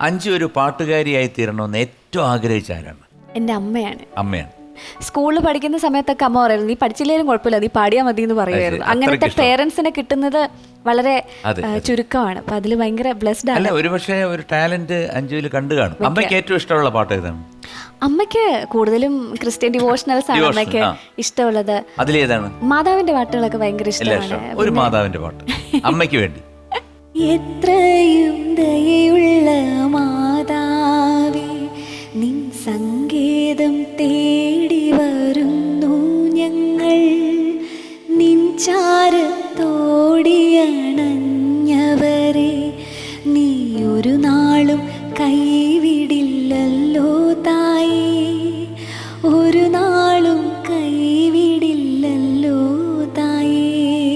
അഞ്ചു ഒരു പാട്ടുകാരിയായി തീരണമെന്ന് ഏറ്റവും ആഗ്രഹിച്ച ആരാണ്? എൻ്റെ അമ്മയാണ്. അമ്മയാണ്. സ്കൂളിൽ പഠിക്കുന്ന സമയത്തൊക്കെ അമ്മ പറയുന്നത് നീ പഠിച്ചില്ലേലും കുഴപ്പമില്ല, നീ പാടിയാൽ മതി എന്ന് പറയുമായിരുന്നു. അങ്ങനത്തെ പേരൻസിനെ കിട്ടുന്നത് വളരെ ചുരുക്കമാണ്. അപ്പൊ അതിൽ ഭയങ്കര ബ്ലെസ്ഡ് ആണ്. അല്ല, ഒരുപക്ഷെ ഒരു ടാലന്റ് അഞ്ജുവിൽ കണ്ടു കാണും. അമ്മയ്ക്ക് ഏറ്റവും ഇഷ്ടമുള്ള പാട്ട് ഏതാണ്? അമ്മയ്ക്ക് കൂടുതലും ക്രിസ്ത്യൻ ഡിവോഷണൽസ് ആണ് അമ്മയ്ക്ക് ഇഷ്ടമുള്ളത്. അതിലേതാണ്? മാതാവിന്റെ പാട്ടുകളൊക്കെ ഭയങ്കര ഇഷ്ടമാണ്. ഒരു മാതാവിന്റെ പാട്ട് അമ്മയ്ക്ക് വേണ്ടി. എത്രയും ദയയുള്ള മാതാവേ, നിൻ സങ്കേതം തേടി വരുന്നു ഞങ്ങൾ, നിൻ ചാരത്തോടിയണഞ്ഞവരെ നീ ഒരു നാളും കൈവിടില്ലല്ലോ തായേ, ഒരു നാളും കൈവിടില്ലല്ലോ തായേ.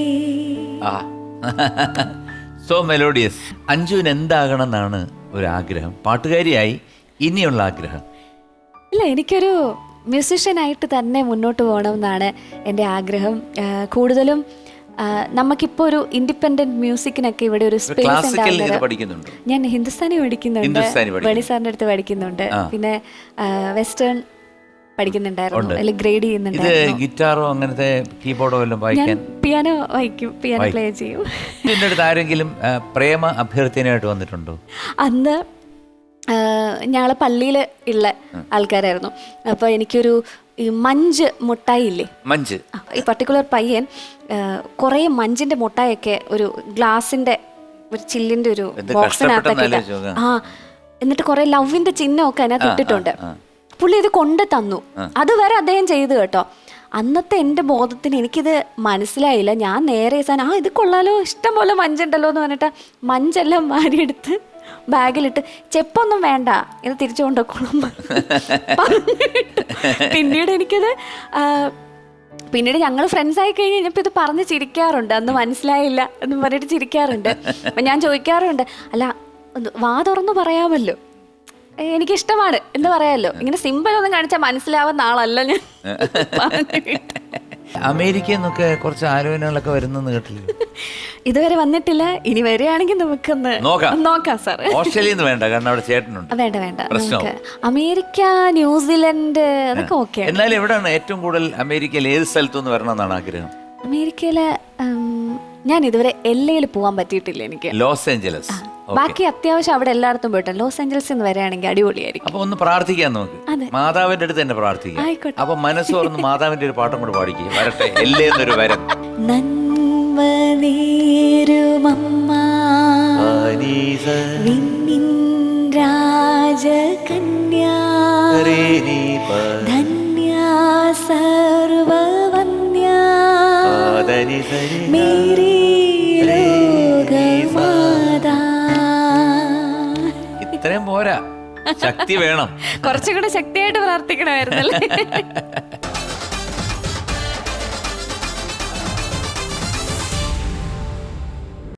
So melodious. അഞ്ജുവിന് എന്താകണം എന്നാണ് ഒരു ആഗ്രഹം? പാട്ടുകാരിയായി ഇനിയുള്ള ആഗ്രഹം? ഇല്ല, എനിക്കൊരു മ്യൂസിഷ്യനായിട്ട് തന്നെ മുന്നോട്ട് പോകണം എന്നാണ് എൻ്റെ ആഗ്രഹം. കൂടുതലും നമുക്കിപ്പോൾ ഒരു ഇൻഡിപെൻഡന്റ് മ്യൂസിക്കിനൊക്കെ ഇവിടെ ഒരു സ്പേസ് പഠിക്കുന്നുണ്ട്. ഞാൻ ഹിന്ദുസ്ഥാനി പഠിക്കുന്നുണ്ട്, വേണി സാറിൻ്റെ അടുത്ത് പഠിക്കുന്നുണ്ട്, പിന്നെ വെസ്റ്റേൺ പഠിക്കുന്നുണ്ടായിരുന്നു, അല്ലെങ്കിൽ ഗ്രേഡ് ചെയ്യുന്നുണ്ടായിരുന്നു. ഗിറ്റാറോ അങ്ങനത്തെ കീബോർഡോ എല്ലാം വായിക്കാൻ? പിയാനോ വായിക്കും, പിയാനോ പ്ലേ ചെയ്യും. ഇതിൻ്റെ അടുത്ത് ആരെങ്കിലും പ്രേമ അഭ്യർത്ഥനയായിട്ട് വന്നിട്ടുണ്ടോ? അന്ന് ഞങ്ങൾ പള്ളിയിൽ ഉള്ള ആൾക്കാരായിരുന്നു. അപ്പോൾ എനിക്കൊരു ഈ മഞ്ച് മുട്ടായി ഇല്ലേ, മഞ്ച്, ഈ പർട്ടിക്കുലർ പയ്യൻ കുറേ മഞ്ചിന്റെ മുട്ടായൊക്കെ ഒരു ഗ്ലാസിന്റെ ഒരു ചില്ലിന്റെ ഒരു ബോക്സിനകത്തൊക്കെ എന്നിട്ട് കുറെ ലവിന്റെ ചിഹ്നമൊക്കെ അതിനകത്ത് ഇട്ടിട്ടുണ്ട്. പുള്ളി ഇത് കൊണ്ട് തന്നു. അതുവരെ അദ്ദേഹം ചെയ്തു കേട്ടോ. അന്നത്തെ എൻ്റെ ബോധത്തിന് എനിക്കിത് മനസ്സിലായില്ല. ഞാൻ നേരെ ഇത് കൊള്ളാലോ, ഇഷ്ടം പോലെ മഞ്ചുണ്ടല്ലോ എന്ന് പറഞ്ഞിട്ട് മഞ്ചെല്ലാം വാരിയെടുത്ത് ബാഗിലിട്ട് ചെപ്പൊന്നും വേണ്ട, ഇത് തിരിച്ചു കൊണ്ടുപോയിക്കോളും. പിന്നീട് എനിക്കത് പിന്നീട് ഞങ്ങൾ ഫ്രണ്ട്സ് ആയി കഴിഞ്ഞ് കഴിഞ്ഞപ്പോൾ ഇത് പറഞ്ഞ് ചിരിക്കാറുണ്ട്. അന്ന് മനസ്സിലായില്ല എന്ന് പറഞ്ഞിട്ട് ചിരിക്കാറുണ്ട്. അപ്പം ഞാൻ ചോദിക്കാറുണ്ട്, അല്ല വാ തുറന്ന് പറയാമല്ലോ, എനിക്കിഷ്ടമാണ് എന്ന് പറയാമല്ലോ, ഇങ്ങനെ സിമ്പിൾ ഒന്നും കാണിച്ചാൽ മനസ്സിലാവുന്ന ആളല്ല ഞാൻ. അമേരിക്കയിൽ നിന്നൊക്കെ കുറച്ച് ആലോചനകളൊക്കെ വരുന്നെന്ന് കേട്ടില്ല? ഇതുവരെ വന്നിട്ടില്ല. ഇനി വരികയാണെങ്കിൽ നമുക്കൊന്ന് നോക്കാം സാർ. ഓസ്ട്രേലിയ വേണ്ട, കാരണം അവിടെ ചേട്ടനുണ്ട്. വേണ്ട, നമുക്ക് അമേരിക്ക, ന്യൂസിലൻഡ് അതൊക്കെ ഓക്കെ. എന്നാലും എവിടെയാണ് ഏറ്റവും കൂടുതൽ അമേരിക്കയിൽ ഏത് സ്ഥലത്തുനിന്ന് വരണമെന്നാണ് ആഗ്രഹം? അമേരിക്കയില് ഞാൻ ഇതുവരെ എല്ലയിൽ പോകാൻ പറ്റിയിട്ടില്ല എനിക്ക്. Los Angeles. ബാക്കി അത്യാവശ്യം അവിടെ എല്ലായിടത്തും പോയിട്ട് ലോസ് ഏഞ്ചൽസിൽ നിന്ന് വരികയാണെങ്കിൽ അടിപൊളിയായിരിക്കും. അപ്പൊ ഒന്ന് പ്രാർത്ഥിക്കാൻ നമുക്ക്, മാതാവിന്റെ അടുത്ത് തന്നെ പ്രാർത്ഥിക്കാം. അപ്പൊ മനസ്സ് തുറന്ന് മാതാവിന്റെ ഒരു പാട്ടും കൂടെ പാടിക്കുക. വരട്ടെ എല്ലേന്നൊരു വരം. നന്മ നേരുമമ്മ രാജകന്യാ ധന്യാ സർവവന്യാ മേരീ ലോകമാതാ. ഇത്രയും പോരാ, ശക്തി വേണം. കുറച്ചുകൂടെ ശക്തിയായിട്ട് പ്രാർത്ഥിക്കണമായിരുന്നല്ലേ.